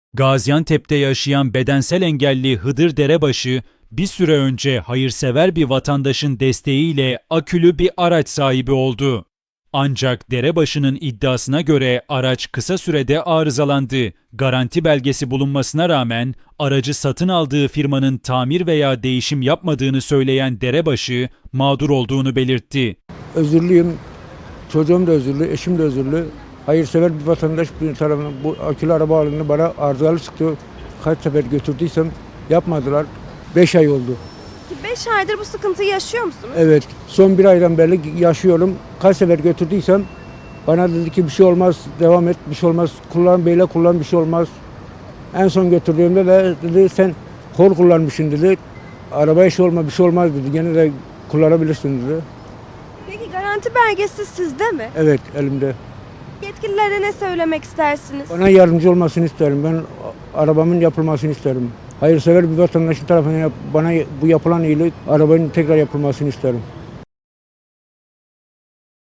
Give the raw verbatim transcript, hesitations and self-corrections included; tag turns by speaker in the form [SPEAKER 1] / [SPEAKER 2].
[SPEAKER 1] Gaziantep'te yaşayan bedensel engelli Hıdır Derebaşı, bir süre önce hayırsever bir vatandaşın desteğiyle akülü bir araç sahibi oldu. Ancak Derebaşı'nın iddiasına göre araç kısa sürede arızalandı. Garanti belgesi bulunmasına rağmen aracı satın aldığı firmanın tamir veya değişim yapmadığını söyleyen Derebaşı mağdur olduğunu belirtti.
[SPEAKER 2] Özürlüyüm, çocuğum da özürlü, eşim de özürlü. Hayırsever bir vatandaş bir tarafından bu akülü araba alanını bana arızalı çıktı. Kaç sefer götürdüysem yapmadılar. beş ay oldu.
[SPEAKER 3] beş aydır bu sıkıntıyı yaşıyor musunuz?
[SPEAKER 2] Evet, son bir aydan beri yaşıyorum. Kaç sefer götürdüysem bana dedi ki bir şey olmaz, devam et, bir şey olmaz. Kullan böyle kullan, bir şey olmaz. En son götürdüğümde de dedi sen kol kullanmışsın dedi. Arabaya şey olma, bir şey olmaz dedi. Gene de kullanabilirsin dedi.
[SPEAKER 3] Peki garanti belgesi sizde mi?
[SPEAKER 2] Evet, elimde.
[SPEAKER 3] Yetkililere ne söylemek istersiniz?
[SPEAKER 2] Bana yardımcı olmasını isterim. Ben arabamın yapılmasını isterim. Hayırsever bir vatandaşın tarafından yap, bana bu yapılan iyilik arabanın tekrar yapılmasını isterim.